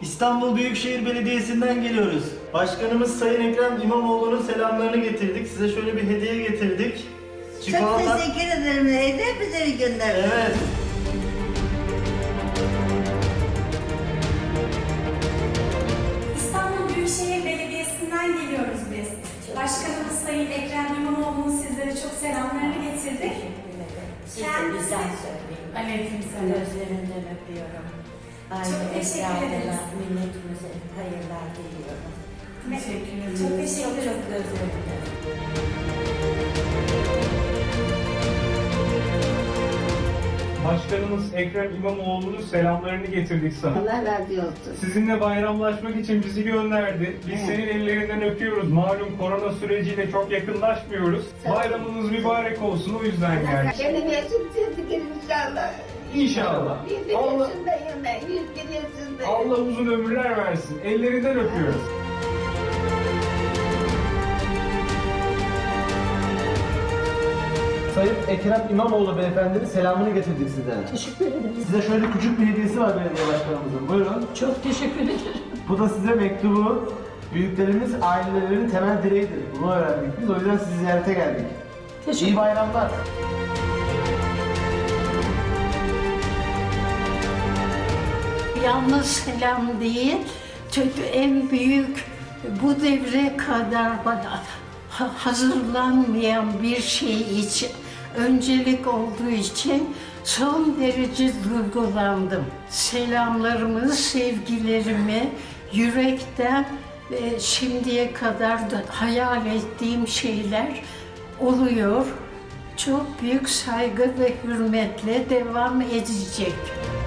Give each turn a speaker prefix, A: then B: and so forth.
A: İstanbul Büyükşehir Belediyesi'nden geliyoruz. Başkanımız Sayın Ekrem İmamoğlu'nun selamlarını getirdik. Size şöyle bir hediye getirdik.
B: Çok teşekkür ederim. Hediye bize bir gönderdin.
A: Evet.
C: İstanbul Büyükşehir Belediyesi'nden geliyoruz biz. Başkanımız Sayın Ekrem İmamoğlu'nun sizlere çok selamlarını getirdik.
B: Siz de bizden söyleyin.
C: Aleykümselam.
B: Gözlerinden öpüyorum.
C: Çok teşekkür ederiz.
B: Milletimize hayırlar diliyorum.
C: Teşekkür ederim. Çok teşekkür ederim.
B: Çok gözlerinden.
D: Başkanımız Ekrem İmamoğlu'nun selamlarını getirdik sana.
B: Allah razı olsun.
D: Sizinle bayramlaşmak için bizi gönderdi. Biz senin ellerinden öpüyoruz. Malum korona süreciyle çok yakınlaşmıyoruz. Bayramınız mübarek olsun, o yüzden geldik.
B: Benim yaşım çizdik inşallah.
D: İnşallah.
B: 101
D: Allah,
B: yaşındayım ben. 101 yaşındayım.
D: Allah uzun ömürler versin. Ellerinden öpüyoruz.
A: Sayın Ekrem İmamoğlu beyefendinin selamını getirdik sizlere.
E: Teşekkür ederim.
A: Size şöyle küçük bir hediyesi var belediye başkanımızın. Buyurun.
E: Çok teşekkür ederim.
A: Bu da size mektubu. Büyüklerimiz ailelerinin temel direğidir. Bunu öğrendik biz. O yüzden sizi ziyarete geldik. İyi bayramlar.
E: Yalnız selam değil, çünkü en büyük bu devre kadar bana hazırlanmayan bir şey için, öncelik olduğu için son derece duygulandım. Selamlarımı, sevgilerimi yürekten şimdiye kadar da hayal ettiğim şeyler oluyor. Çok büyük saygı ve hürmetle devam edecek.